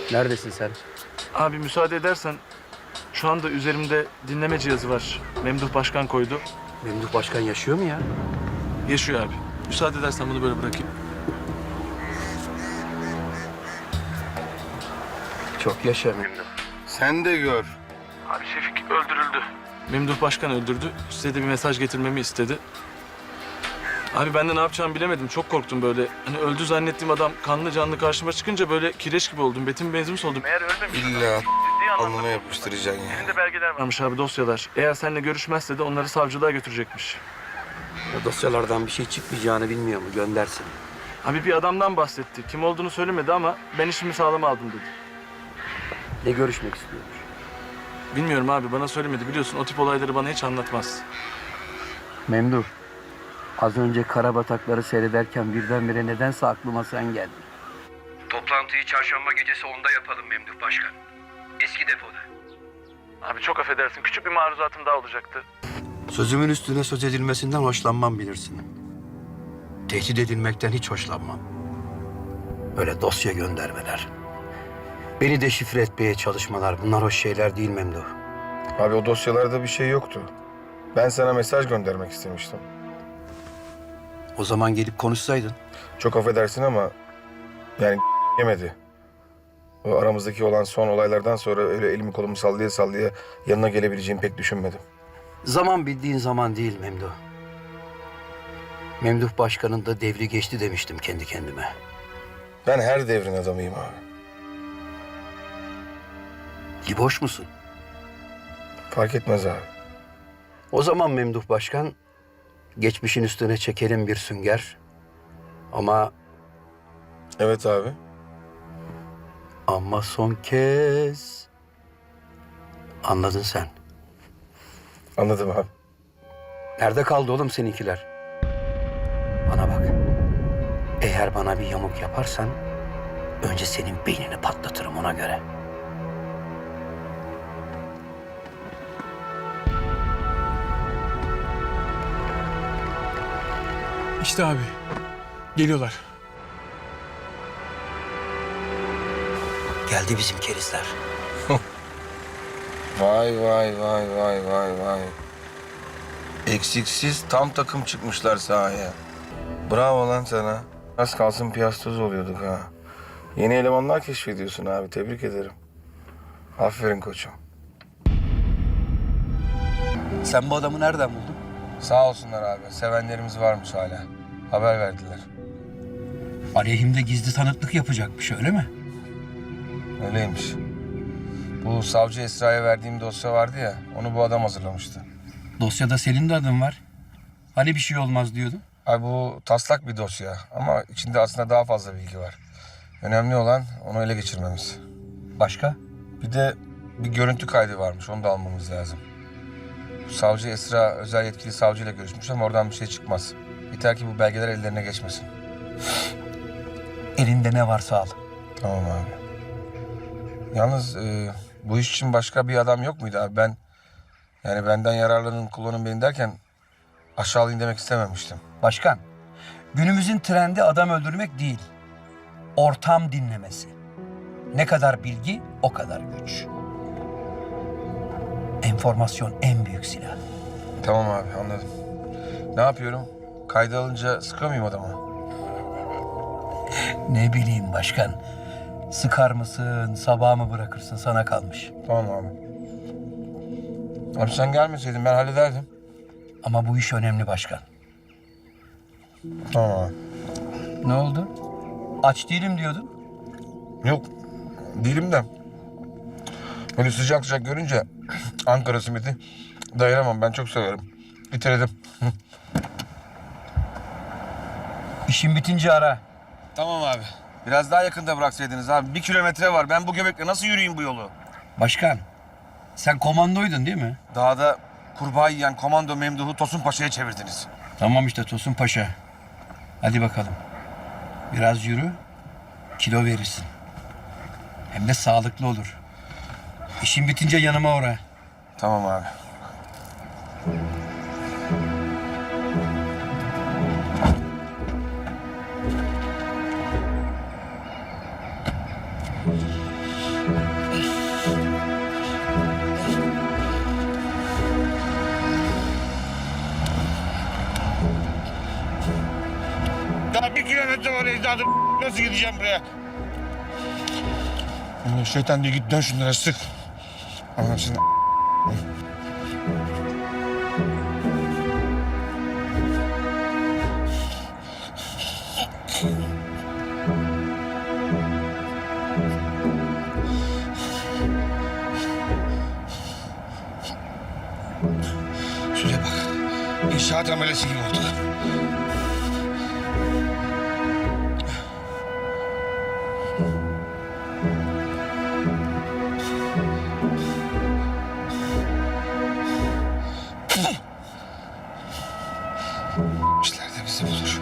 Neredesin sen? Abi müsaade edersen şu anda üzerimde dinleme cihazı var. Memduh Başkan koydu. Memduh Başkan yaşıyor mu ya? Yaşıyor abi. Müsaade edersen bunu böyle bırakayım. Çok yaşa Memduh. Sen de gör. Abi Şefik öldürüldü. Memduh Başkan öldürdü. Size de bir mesaj getirmemi istedi. Abi ben de ne yapacağımı bilemedim. Çok korktum böyle. Hani öldü zannettiğim adam kanlı canlı karşıma çıkınca böyle kireç gibi oldum. Betim benzin oldum. Meğer ölmemiş. İlla Ciddi anlamda alnına yapıştıracaksın ya. elinde belgeler varmış abi, dosyalar. Eğer seninle görüşmezse de onları savcılığa götürecekmiş. O dosyalardan bir şey çıkmayacağını bilmiyor mu? Göndersin. Abi bir adamdan bahsetti. Kim olduğunu söylemedi ama ben işimi sağlama aldım dedi. Ne görüşmek istiyormuş? Bilmiyorum abi, bana söylemedi. Biliyorsun o tip olayları bana hiç anlatmaz. Memduh. Az önce karabatakları seyrederken birdenbire nedense aklıma sen geldin. Toplantıyı çarşamba gecesi 10'da yapalım Memduh Başkan. Eski depoda. Abi çok affedersin. Küçük bir maruzatım daha olacaktı. Sözümün üstüne söz edilmesinden hoşlanmam bilirsin. Tehdit edilmekten hiç hoşlanmam. Öyle dosya göndermeler. Beni deşifre etmeye çalışmalar. Bunlar hoş şeyler değil Memduh. Abi o dosyalarda bir şey yoktu. Ben sana mesaj göndermek istemiştim. O zaman gelip konuşsaydın. Çok affedersin ama yani yemedi. O aramızdaki olan son olaylardan sonra öyle elimi kolumu sallaya sallaya yanına gelebileceğimi pek düşünmedim. Zaman bildiğin zaman değil Memduh. Memduh Başkan'ın da devri geçti demiştim kendi kendime. Ben her devrin adamıyım abi. Liboş musun? Fark etmez abi. O zaman Memduh Başkan, geçmişin üstüne çekelim bir sünger. Evet abi. Ama son kez. Anladın sen. Anladım abi. Nerede kaldı oğlum seninkiler? Bana bak. Eğer bana bir yamuk yaparsan önce senin beynini patlatırım ona göre. İşte abi. Geliyorlar. Geldi bizim kerizler. Vay vay vay vay vay vay. Eksiksiz tam takım çıkmışlar sahaya. Bravo lan sana. Az kalsın piyastoz oluyorduk ha. Yeni elemanlar keşfediyorsun abi. Tebrik ederim. Aferin koçum. Sen bu adamı nereden buldun? Sağ olsunlar abi. Sevenlerimiz varmış hala. Haber verdiler. Aleyhimde gizli tanıklık yapacakmış öyle mi? Öyleymiş. Bu savcı Esra'ya verdiğim dosya vardı ya. Onu bu adam hazırlamıştı. Dosyada senin de adın var. Hani bir şey olmaz diyordun? Abi bu taslak bir dosya ama içinde aslında daha fazla bilgi var. Önemli olan onu ele geçirmemiz. Başka? Bir de bir görüntü kaydı varmış. Onu da almamız lazım. Bu savcı Esra özel yetkili savcıyla görüşmüş ama oradan bir şey çıkmaz. Yeter ki bu belgeler ellerine geçmesin. Elinde ne varsa al. Tamam abi. Yalnız bu iş için başka bir adam yok muydu abi? Yani benden yararlanın, kullanın beni derken aşağılayın demek istememiştim. Başkan, günümüzün trendi adam öldürmek değil, ortam dinlemesi. Ne kadar bilgi, o kadar güç. Enformasyon en büyük silah. Tamam abi, anladım. Ne yapıyorum? Kayda alınca sıkıyor muyum adama? Ne bileyim başkan, sıkar mısın, sabah mı bırakırsın sana kalmış. Tamam abi. Abi sen gelmeseydin ben hallederdim. Ama bu iş önemli başkan. Tamam abi. Ne oldu? Aç değilim diyordun. Yok, değilim de. Böyle sıcak sıcak görünce Ankara simidi dayanamam. Ben çok severim. Bitirdim. İşin bitince ara. Tamam abi. Biraz daha yakında bıraksaydınız abi. 1 kilometre var. Ben bu göbekle nasıl yürüyeyim bu yolu? Başkan, sen komandoydun değil mi? Dağda kurbağa yiyen komando Memduh'u Tosun Paşa'ya çevirdiniz. Tamam işte Tosun Paşa. Hadi bakalım. Biraz yürü, kilo verirsin. Hem de sağlıklı olur. İşin bitince yanıma uğra. Tamam abi. evladım. Nasıl gideceğim buraya? Ulan şeytan diye git dön şunlara sık. Allah'ım seni. Şuraya bak. İnşaat amelesi gibi oldu. İşler de bizi bulur.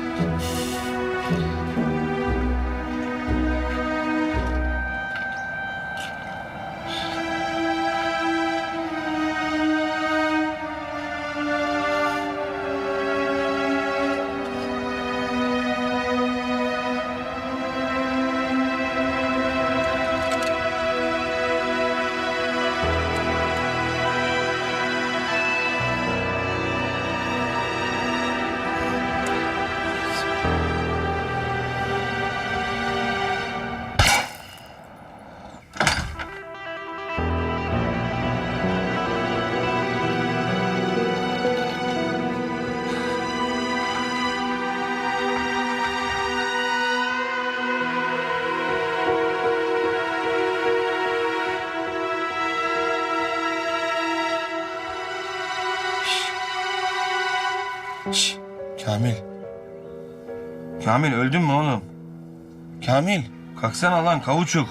Şş, Kamil. Kamil öldün mü oğlum? Kamil kalksana lan kavuçuk.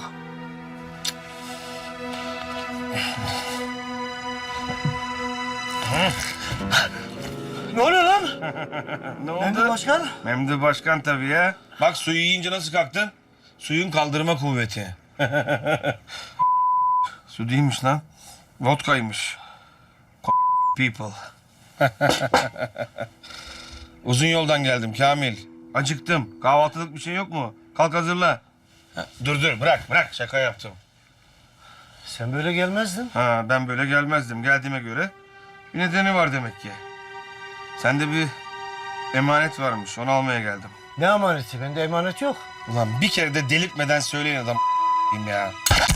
Ne oluyor lan? Ne oldu? Memduh Başkan? Memduh Başkan tabii ya. Bak suyu yiyince nasıl kalktın? Suyun kaldırma kuvveti. Su değilmiş lan. Vodkaymış. People. Uzun yoldan geldim Kamil. Acıktım. Kahvaltılık bir şey yok mu? Kalk hazırla. Ha, dur bırak şaka yaptım. Sen böyle gelmezdin. Ha ben böyle gelmezdim. Geldiğime göre bir nedeni var demek ki. Sende bir emanet varmış. Onu almaya geldim. Ne emaneti? Bende emanet yok. Ulan bir kere de delirtmeden söyleyin adam ya.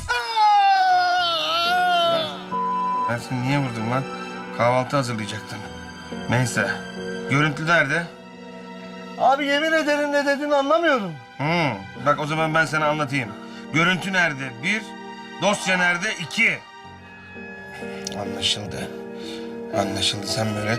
Ben seni niye vurdum lan? Kahvaltı hazırlayacaktım. Neyse. Görüntü nerede? Abi yemin ederim ne dediğini anlamıyorum. Bak o zaman ben sana anlatayım. Görüntü nerede? 1. Dosya nerede? 2. Anlaşıldı. Anlaşıldı sen böyle.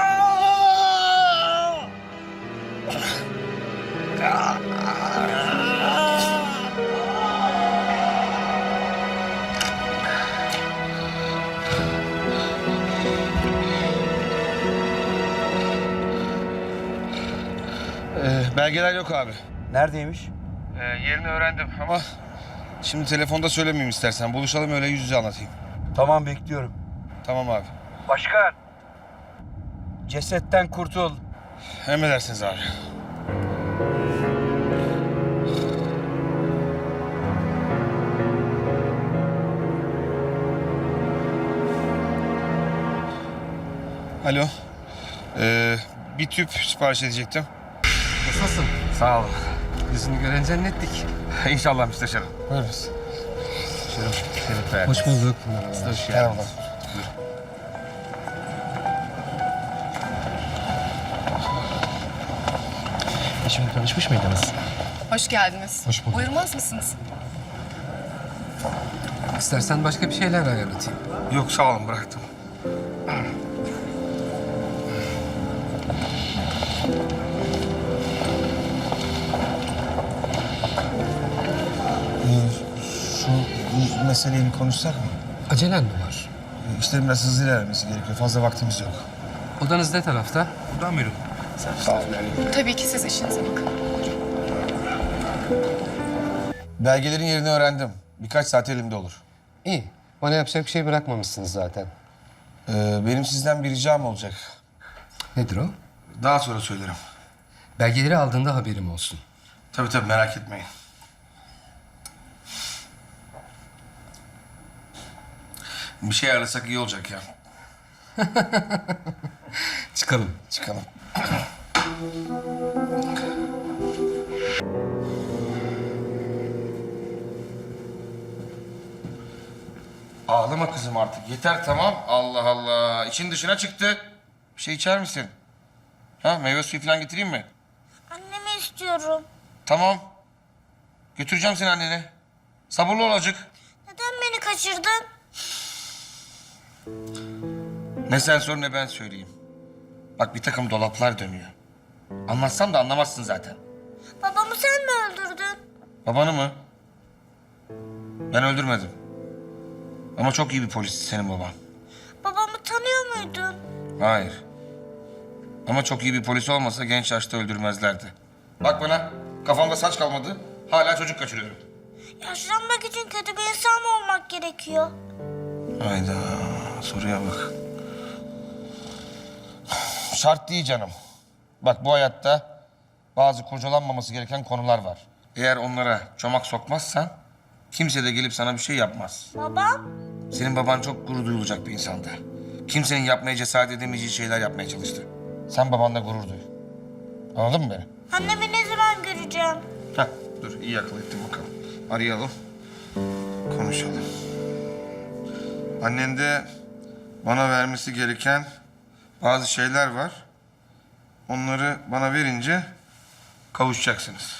Belgeler yok abi. Neredeymiş? Yerini öğrendim ama şimdi telefonda söylemeyeyim istersen. Buluşalım öyle yüz yüze anlatayım. Tamam bekliyorum. Tamam abi. Başkan. Cesetten kurtul. Emredersiniz abi. Alo. Bir tüp sipariş edecektim. Nasılsın? Sağ olun. Yüzünü gören zannettik. İnşallah müsteşarım. Buyurunuz. Şerif Bey. Hoş bulduk. Hoş geldiniz. Şimdi tanışmış mıydınız? Hoş geldiniz. Hoş bulduk. Buyurmaz mısınız? İstersen başka bir şeyler ayarlatayım. Yok sağ olun bıraktım. Şu meseleyi bir konuşsak mı? Acelen mi var? İşte biraz hızlı ilerlemesi gerekiyor. Fazla vaktimiz yok. Odanız ne tarafta? Buradan buyurun. Sağ olun. Tabii ki siz işinize bakın. Belgelerin yerini öğrendim. Birkaç saat elimde olur. İyi. Bana yapacak bir şey bırakmamışsınız zaten. Benim sizden bir ricam olacak. Nedir o? Daha sonra söylerim. Belgeleri aldığında haberim olsun. Tabii merak etmeyin. Bir şey ayarlasak iyi olacak ya. Çıkalım. Çıkalım. Ağlama kızım artık. Yeter tamam. Allah Allah. İçin dışına çıktı. Bir şey içer misin? Ha, meyve suyu falan getireyim mi? Annemi istiyorum. Tamam. Götüreceğim seni annene. Sabırlı ol azıcık. Neden beni kaçırdın? Ne sen sor ne ben söyleyeyim. Bak bir takım dolaplar dönüyor. Anlatsam da anlamazsın zaten. Babamı sen mi öldürdün? Babanı mı? Ben öldürmedim. Ama çok iyi bir polisti senin baban. Babamı tanıyor muydun? Hayır. Ama çok iyi bir polis olmasa genç yaşta öldürmezlerdi. Bak bana, kafamda saç kalmadı. Hala çocuk kaçırıyorum. Yaşlanmak için kötü bir insan mı olmak gerekiyor? Hayda, soruya bak. Şart değil canım. Bak bu hayatta bazı kurcalanmaması gereken konular var. Eğer onlara çomak sokmazsan kimse de gelip sana bir şey yapmaz. Babam? Senin baban çok gurur duyulacak bir insandı. Kimsenin yapmaya cesaret edemeyeceği şeyler yapmaya çalıştı. Sen babanla gurur duy. Anladın mı beni? Annemi ne zaman göreceğim? Heh, dur iyi akıl ettin bakalım. Arayalım. Konuşalım. Annen de bana vermesi gereken bazı şeyler var. Onları bana verince kavuşacaksınız.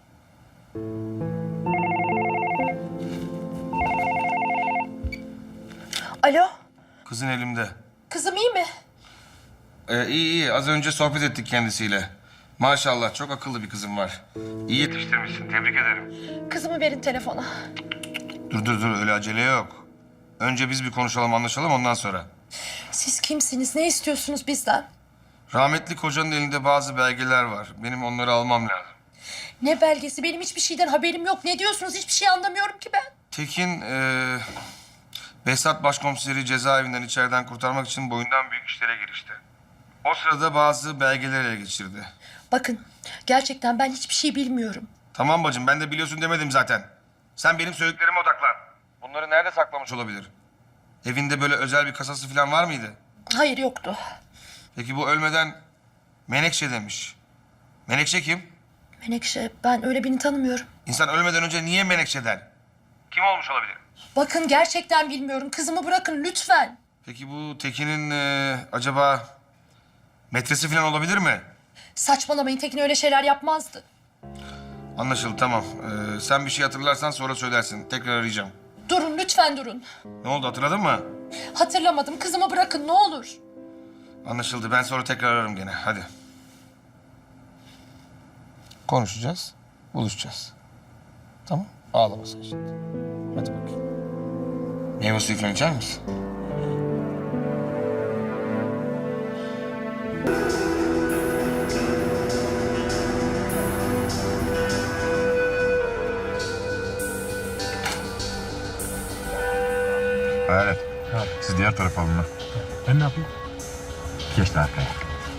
Alo, Kızın elimde. kızım iyi mi? İyi iyi. Az önce sohbet ettik kendisiyle. Maşallah çok akıllı bir kızım var. İyi yetiştirmişsin. Tebrik ederim. Kızımı verin telefona. Dur öyle acele yok. Önce biz bir konuşalım anlaşalım ondan sonra. Siz kimsiniz? Ne istiyorsunuz bizden? Rahmetli kocanın elinde bazı belgeler var. Benim onları almam lazım. Ne belgesi? Benim hiçbir şeyden haberim yok. Ne diyorsunuz? Hiçbir şey anlamıyorum ki ben. Tekin, Behzat Başkomiseri cezaevinden içeriden kurtarmak için boyundan büyük işlere girişti. O sırada bazı belgeleri ele geçirdi. Bakın, gerçekten ben hiçbir şey bilmiyorum. Tamam bacım, ben de biliyorsun demedim zaten. Sen benim söylediklerime odaklan. Bunları nerede saklamış olabilir? Evinde böyle özel bir kasası falan var mıydı? Hayır, yoktu. Peki bu ölmeden Menekşe demiş. Menekşe kim? Menekşe, ben öyle birini tanımıyorum. İnsan ölmeden önce niye Menekşe der? Kim olmuş olabilir? Bakın, gerçekten bilmiyorum. Kızımı bırakın lütfen. Peki bu Tekin'in acaba metresi falan olabilir mi? Saçmalamayın, Tekin öyle şeyler yapmazdı. Anlaşıldı tamam. Sen bir şey hatırlarsan sonra söylersin. Tekrar arayacağım. Durun, lütfen durun. Ne oldu hatırladın mı? Hatırlamadım. Kızımı bırakın ne olur. Anlaşıldı. Ben sonra tekrar ararım gene. Hadi. Konuşacağız. Buluşacağız. Tamam. Ağlama sen şimdi. Hadi bakayım. Meyve suyu falan içer misin? Evet. Siz diğer tarafa alın lan. Ben ne yapayım? Geç de arkaya.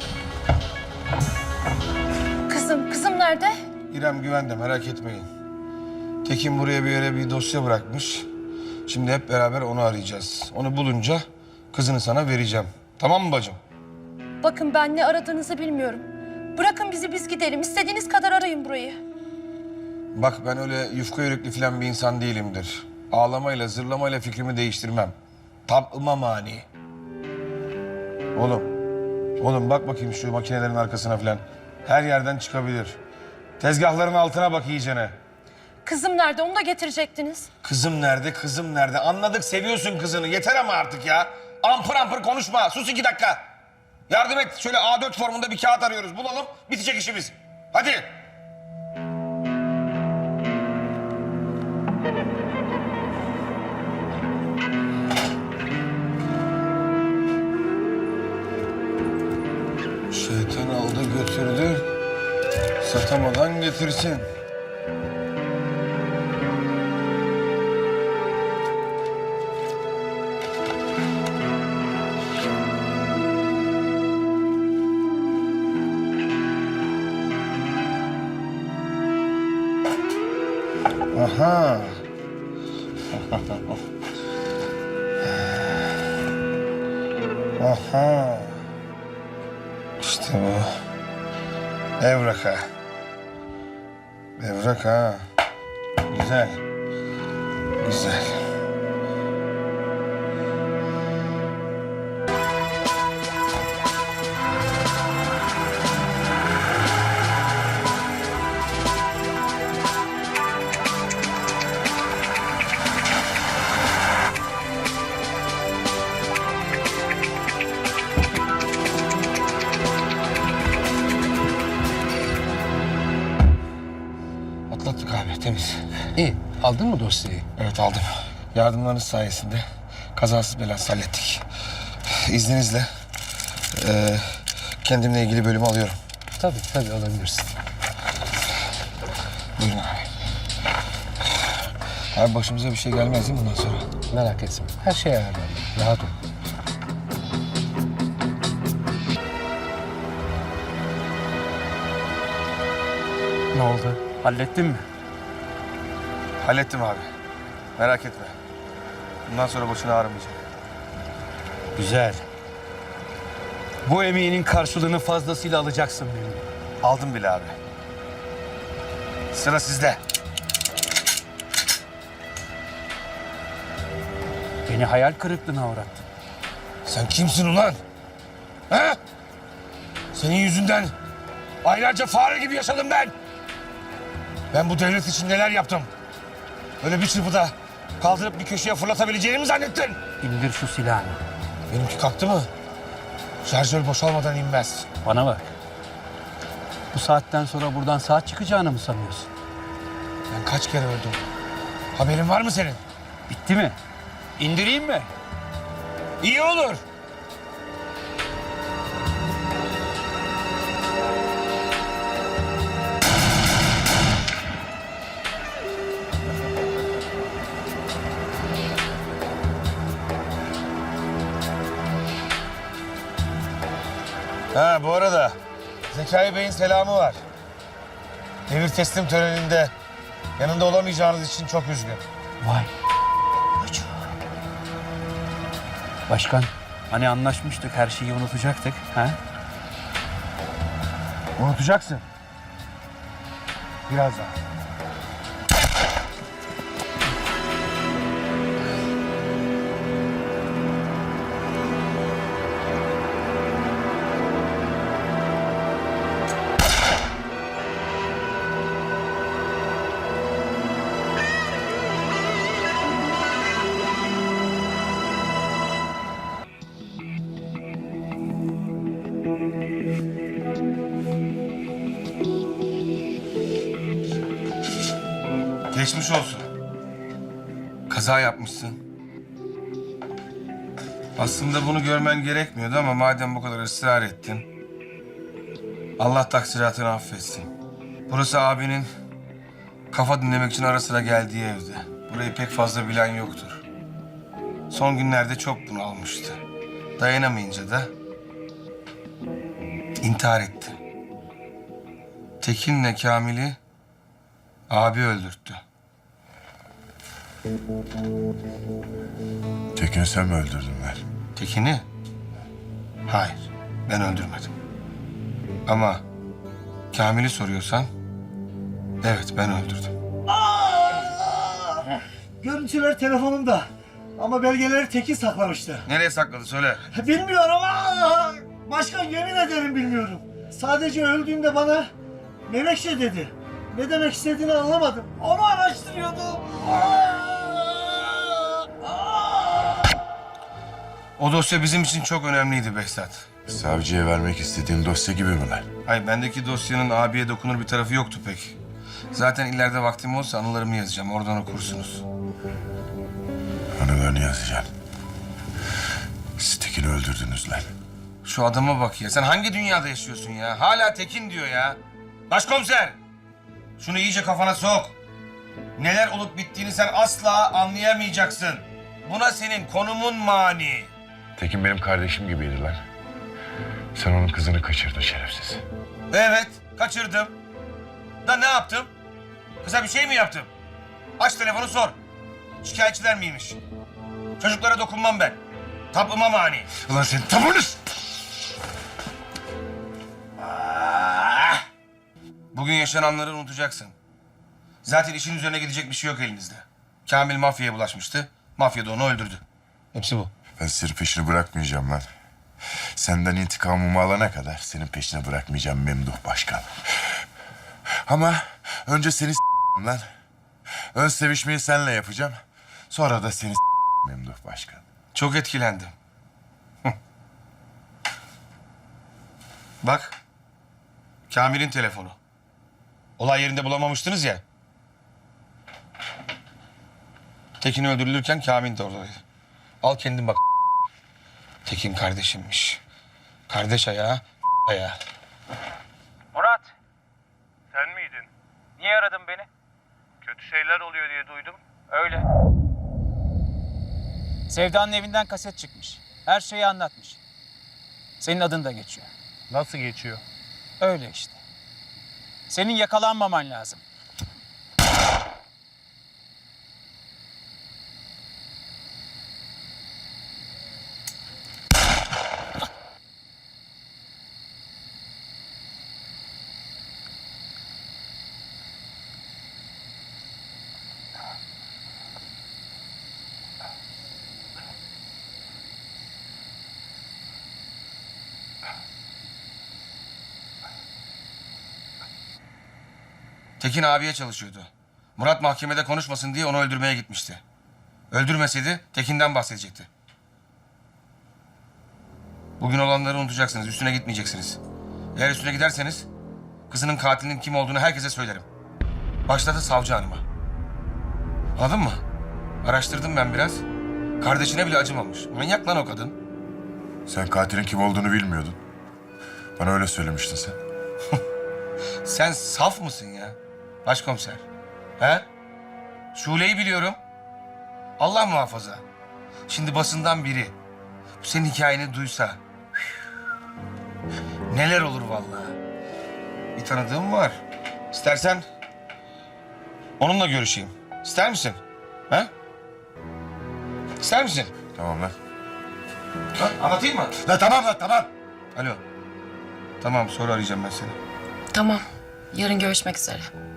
Kızım nerede? İrem güvende merak etmeyin. Tekin buraya bir yere bir dosya bırakmış. Şimdi hep beraber onu arayacağız. Onu bulunca kızını sana vereceğim. Tamam mı bacım? Bakın, ben ne aradığınızı bilmiyorum. Bırakın bizi, biz gidelim. İstediğiniz kadar arayın burayı. Bak ben öyle yufka yürekli falan bir insan değilimdir. Ağlamayla, zırlamayla fikrimi değiştirmem. Tabıma mani. Oğlum bak bakayım şu makinelerin arkasına falan. Her yerden çıkabilir. Tezgahların altına bak iyicene. Kızım nerede? Onu da getirecektiniz. Kızım nerede? Anladık seviyorsun kızını. Yeter ama artık ya. Ampır ampır konuşma. Sus 2 dakika. Yardım et. Şöyle A4 formunda bir kağıt arıyoruz. Bulalım. Bitecek işimiz. Hadi. Şeytan aldı götürdü. Satamadan getirsin. Aha. Aha. İşte bu. Evrak ha. Evrak ha. Güzel. Güzel. İyi. Aldın mı dosyayı? Evet aldım. Yardımlarınız sayesinde kazasız belasız hallettik. İzninizle kendimle ilgili bölümü alıyorum. Tabii alabilirsin. Buyurun abi. Abi başımıza bir şey gelmez değil mi bundan sonra? Merak etme. Her şey ayarlandı. Rahat ol. Ne oldu? Hallettin mi? Hallettim abi. Merak etme. Bundan sonra başını ağrımayacak. Güzel. Bu emeğinin karşılığını fazlasıyla alacaksın benim. Aldım bile abi. Sıra sizde. Beni hayal kırıklığına uğrattın. Sen kimsin ulan? Ha? Senin yüzünden aylarca fare gibi yaşadım ben. Ben bu devlet için neler yaptım? Öyle bir çırpıda kaldırıp bir köşeye fırlatabileceğini mi zannettin? İndir şu silahını. Benimki kalktı mı? Şarjör boşalmadan inmez. Bana bak. Bu saatten sonra buradan sağ çıkacağını mı sanıyorsun? Ben kaç kere öldüm? Haberin var mı senin? Bitti mi? İndireyim mi? İyi olur. Ha bu arada Zekai Bey'in selamı var. Devir teslim töreninde yanında olamayacağınız için çok üzgün. Vay. Başkan, hani anlaşmıştık her şeyi unutacaktık, ha? Unutacaksın. Biraz daha. Geçmiş olsun. Kaza yapmışsın. Aslında bunu görmen gerekmiyordu ama madem bu kadar ısrar ettin... Allah taksiratını affetsin. Burası abinin kafa dinlemek için ara sıra geldiği evde. Burayı pek fazla bilen yoktur. Son günlerde çok bunalmıştı. Dayanamayınca da intihar etti. Tekin'le Kamil'i abi öldürttü. Tekin'i sen mi öldürdün lan? Tekin'i? Hayır, ben öldürmedim. Ama Kamil'i soruyorsan, evet ben öldürdüm. Görüntüler telefonumda. Ama belgeleri Tekin saklamıştı. Nereye sakladı söyle. Bilmiyorum ama başkan yemin ederim bilmiyorum. Sadece öldüğünde bana Menekşe dedi. Ne demek istediğini anlamadım. Onu araştırıyordum. O dosya bizim için çok önemliydi Behzat. Savcıya vermek istediğin dosya gibi mi lan? Hayır, bendeki dosyanın abiye dokunur bir tarafı yoktu pek. Zaten ileride vaktim olsa anılarımı yazacağım. Oradan okursunuz. Anılarını yazacaksın. Siz Tekin'i öldürdünüz lan. Şu adama bak ya. Sen hangi dünyada yaşıyorsun ya? Hala Tekin diyor ya. Başkomiser! Şunu iyice kafana sok. Neler olup bittiğini sen asla anlayamayacaksın. Buna senin konumun mani. Tekin benim kardeşim gibiydi lan. Sen onun kızını kaçırdın şerefsiz. Evet, kaçırdım. Da ne yaptım? Kıza bir şey mi yaptım? Aç telefonu sor. Şikayetçiler miymiş? Çocuklara dokunmam ben. Tapıma mani. Ulan sen tapınız! Bugün yaşananları unutacaksın. Zaten işin üzerine gidecek bir şey yok elinizde. Kamil mafyaya bulaşmıştı. Mafya da onu öldürdü. Hepsi bu. Ben senin peşini bırakmayacağım lan. Senden intikamımı alana kadar senin peşine bırakmayacağım Memduh Başkan. Ama önce seni lan. Ön sevişmeyi seninle yapacağım. Sonra da seni Memduh Başkan. Çok etkilendim. Bak. Kamil'in telefonu. Olay yerinde bulamamıştınız ya. Tekin öldürülürken Kamil de oradaydı. Al kendin bak. Tekin kardeşimmiş. Kardeş ayağı, ayağı. Murat, Sen miydin? niye aradın beni? Kötü şeyler oluyor diye duydum. Öyle. Sevda'nın evinden kaset çıkmış. Her şeyi anlatmış. Senin adın da geçiyor. Nasıl geçiyor? Öyle işte. Senin yakalanmaman lazım. Tekin abiye çalışıyordu. Murat mahkemede konuşmasın diye onu öldürmeye gitmişti. Öldürmeseydi Tekin'den bahsedecekti. Bugün olanları unutacaksınız, üstüne gitmeyeceksiniz. Eğer üstüne giderseniz kızının katilinin kim olduğunu herkese söylerim. Başladı savcı hanıma. Anladın mı? Araştırdım ben biraz. Kardeşine bile acımamış. Manyak lan o kadın. Sen katilin kim olduğunu bilmiyordun. Bana öyle söylemiştin sen. Sen saf mısın ya? Başkomiser. He? Şule'yi biliyorum. Allah muhafaza. Şimdi basından biri bu senin hikayeni duysa neler olur vallahi. Bir tanıdığım var. İstersen onunla görüşeyim. İster misin? He? İster misin? Tamam lan. Ha, anlatayım mı? La tamam lan tamam. Alo. Tamam, sonra arayacağım ben seni. Tamam. Yarın görüşmek üzere.